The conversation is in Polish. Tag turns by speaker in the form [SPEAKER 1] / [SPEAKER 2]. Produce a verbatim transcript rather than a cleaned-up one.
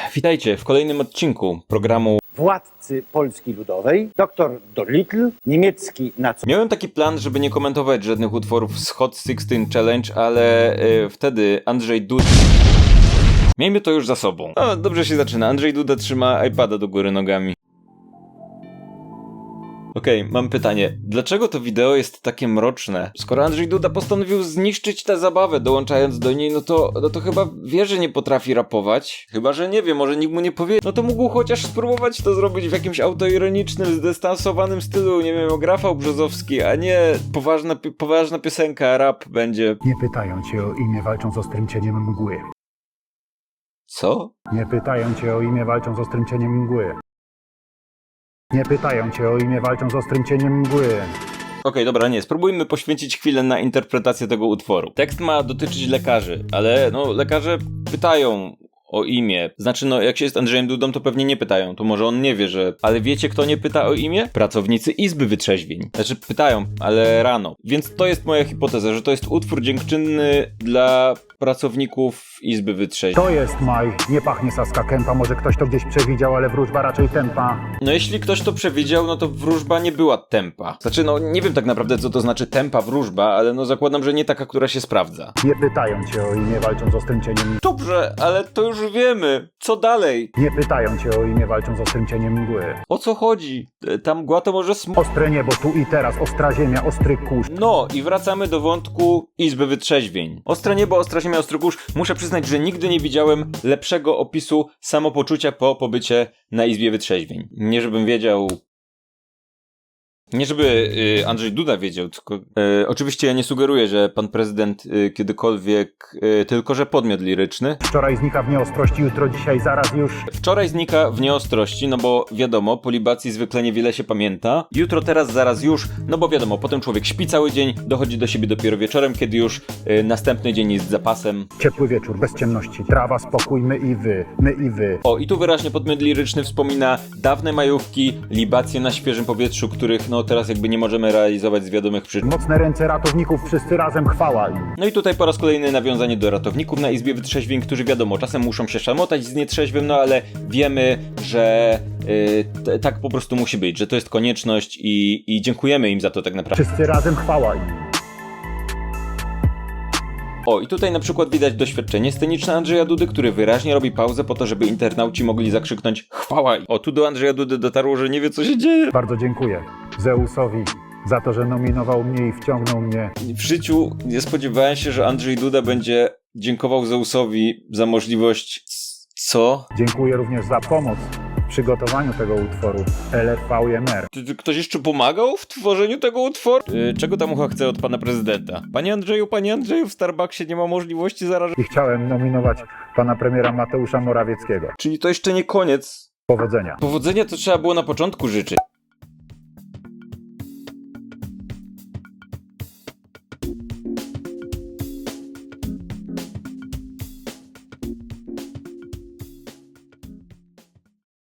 [SPEAKER 1] Witajcie w kolejnym odcinku programu
[SPEAKER 2] Władcy Polski Ludowej, doktor Dolittle, niemiecki nac...
[SPEAKER 1] Miałem taki plan, żeby nie komentować żadnych utworów z Hot szesnaście Challenge, ale yy, wtedy Andrzej Duda... Miejmy to już za sobą. O, dobrze się zaczyna. Andrzej Duda trzyma iPada do góry nogami. Okej, okay, mam pytanie. Dlaczego to wideo jest takie mroczne? Skoro Andrzej Duda postanowił zniszczyć tę zabawę, dołączając do niej, no to, no to chyba wie, że nie potrafi rapować. Chyba, że nie wie, może nikt mu nie powie. No to mógł chociaż spróbować to zrobić w jakimś autoironicznym, zdystansowanym stylu, nie wiem, jak Rafał Brzozowski, a nie poważna, poważna piosenka, rap będzie.
[SPEAKER 3] Nie pytają cię o imię, walczą z ostrym cieniem mgły.
[SPEAKER 1] Co?
[SPEAKER 3] Nie pytają cię o imię, walczą z ostrym cieniem mgły. Nie pytają cię o imię, walczą z ostrym cieniem mgły.
[SPEAKER 1] Okej, okay, dobra, nie, spróbujmy poświęcić chwilę na interpretację tego utworu. Tekst ma dotyczyć lekarzy, ale no lekarze pytają o imię. Znaczy, no jak się jest Andrzejem Dudą, to pewnie nie pytają, to może on nie wie, że... Ale wiecie, kto nie pyta o imię? Pracownicy Izby Wytrzeźwień. Znaczy, pytają, ale rano. Więc to jest moja hipoteza, że to jest utwór dziękczynny dla pracowników Izby Wytrzeźwień.
[SPEAKER 3] To jest maj, nie pachnie Saska Kępa, może ktoś to gdzieś przewidział, ale wróżba raczej tempa.
[SPEAKER 1] No jeśli ktoś to przewidział, no to wróżba nie była tempa. Znaczy, no nie wiem tak naprawdę, co to znaczy tempa wróżba, ale no zakładam, że nie taka, która się sprawdza.
[SPEAKER 3] Nie pytają cię o imię, walczą z ostrym cieniem mgły.
[SPEAKER 1] Dobrze, ale to już wiemy. Co dalej?
[SPEAKER 3] Nie pytają cię o imię, walczą z ostrym cieniem mgły.
[SPEAKER 1] O co chodzi? Ta mgła to może sm...
[SPEAKER 3] Ostre niebo, tu i teraz, ostra ziemia, ostry kurz.
[SPEAKER 1] No i wracamy do wątku Izby Wytrzeźwień. Ostre niebo, ostra ziemia, ostry kurz. Muszę przyznać, że nigdy nie widziałem lepszego opisu samopoczucia po pobycie na Izbie Wytrzeźwień. Nie żebym wiedział... Nie żeby y, Andrzej Duda wiedział, tylko... Y, oczywiście ja nie sugeruję, że pan prezydent y, kiedykolwiek... Y, tylko, że podmiot liryczny.
[SPEAKER 3] Wczoraj znika w nieostrości, jutro, dzisiaj, zaraz już.
[SPEAKER 1] Wczoraj znika w nieostrości, no bo wiadomo, po libacji zwykle niewiele się pamięta. Jutro, teraz, zaraz, już, no bo wiadomo, potem człowiek śpi cały dzień, dochodzi do siebie dopiero wieczorem, kiedy już y, następny dzień jest zapasem.
[SPEAKER 3] Ciepły wieczór, bez ciemności, trawa, spokój, my i wy, my i wy.
[SPEAKER 1] O, i tu wyraźnie podmiot liryczny wspomina dawne majówki, libacje na świeżym powietrzu, których no teraz jakby nie możemy realizować z wiadomych przyczyn.
[SPEAKER 3] Mocne ręce ratowników, wszyscy razem, chwała im.
[SPEAKER 1] No i tutaj po raz kolejny nawiązanie do ratowników na Izbie Wytrzeźwień, którzy wiadomo, czasem muszą się szamotać z nietrzeźwym, no ale wiemy, że yy, t- tak po prostu musi być, że to jest konieczność i, i dziękujemy im za to tak naprawdę.
[SPEAKER 3] Wszyscy razem, chwała im.
[SPEAKER 1] O, i tutaj na przykład widać doświadczenie sceniczne Andrzeja Dudy, który wyraźnie robi pauzę po to, żeby internauci mogli zakrzyknąć chwała. O, tu do Andrzeja Dudy dotarło, że nie wie, co się dzieje.
[SPEAKER 3] Bardzo dziękuję Zeusowi za to, że nominował mnie i wciągnął mnie.
[SPEAKER 1] W życiu nie spodziewałem się, że Andrzej Duda będzie dziękował Zeusowi za możliwość... Co?
[SPEAKER 3] Dziękuję również za pomoc w przygotowaniu tego utworu L F V M R.
[SPEAKER 1] Czy, czy ktoś jeszcze pomagał w tworzeniu tego utworu? Yy, czego tam ucha chce od pana prezydenta? Panie Andrzeju, panie Andrzeju, w Starbucksie nie ma możliwości zarażenia.
[SPEAKER 3] I chciałem nominować pana premiera Mateusza Morawieckiego.
[SPEAKER 1] Czyli to jeszcze nie koniec.
[SPEAKER 3] Powodzenia.
[SPEAKER 1] Powodzenia to trzeba było na początku życzyć.